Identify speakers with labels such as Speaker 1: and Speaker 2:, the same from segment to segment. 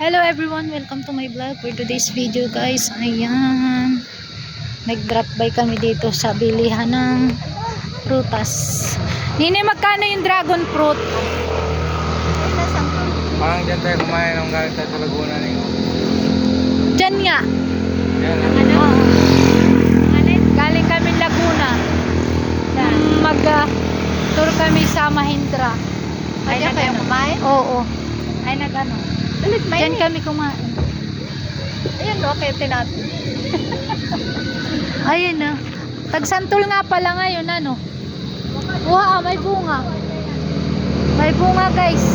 Speaker 1: Hello everyone, welcome to my vlog. For today's video guys, ayan, nag-drop by kami dito sa bilihan ng prutas. Nini, magkano yung dragon fruit?
Speaker 2: Parang dyan tayo kumain ng galing tayo sa Laguna na yun.
Speaker 1: Dyan nga.
Speaker 2: Yan.
Speaker 1: Galing kami Laguna. Mag-tour kami sa Mahindra.
Speaker 3: Ay, na kayo kumain?
Speaker 1: Oo.
Speaker 3: Ay, nag-ano?
Speaker 1: Dyan kami kumain.
Speaker 3: Ayun, okay, natin.
Speaker 1: Ayun na. Tagsantol nga pala ngayon, ano? Wow, may bunga. May bunga, guys.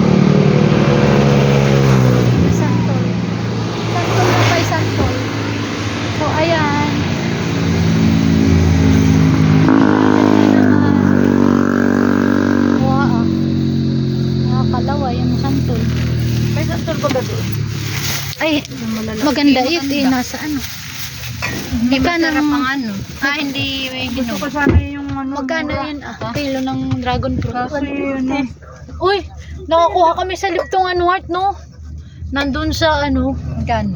Speaker 1: Santol. Santol na kay santol. So, ayan. Wow. Nakakalawa yung santol.
Speaker 3: May santol ba gabi?
Speaker 1: Ay, maganda yun. Nasa ano.
Speaker 3: Hindi
Speaker 1: Magkano
Speaker 3: masarap
Speaker 1: ang-
Speaker 3: ang ano. Hindi may
Speaker 2: Gusto ko
Speaker 3: ginom.
Speaker 2: sana yung ano.
Speaker 1: Magkano yun? Kilo ng dragon fruit.
Speaker 2: Kaso yun eh.
Speaker 1: Uy, nakakuha kami sa Liptong Heart, no? Nandun sa ano,
Speaker 3: Gano?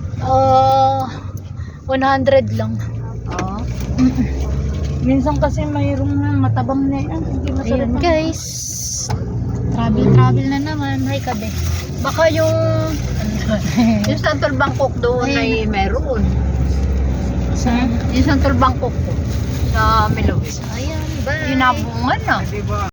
Speaker 1: 100 lang.
Speaker 3: Oo.
Speaker 2: Minsan kasi mayroong matabang na yan. Hindi masarap.
Speaker 1: Ayun guys, travel na naman. Hi kabe.
Speaker 3: Baka yung yung santol Bangkok doon
Speaker 1: Ayun.
Speaker 3: ay meron.
Speaker 1: Sa,
Speaker 3: Yung santol Bangkok ko sa Melawis.
Speaker 1: ayan, bye.
Speaker 3: Yung nabungan na.
Speaker 2: Diba?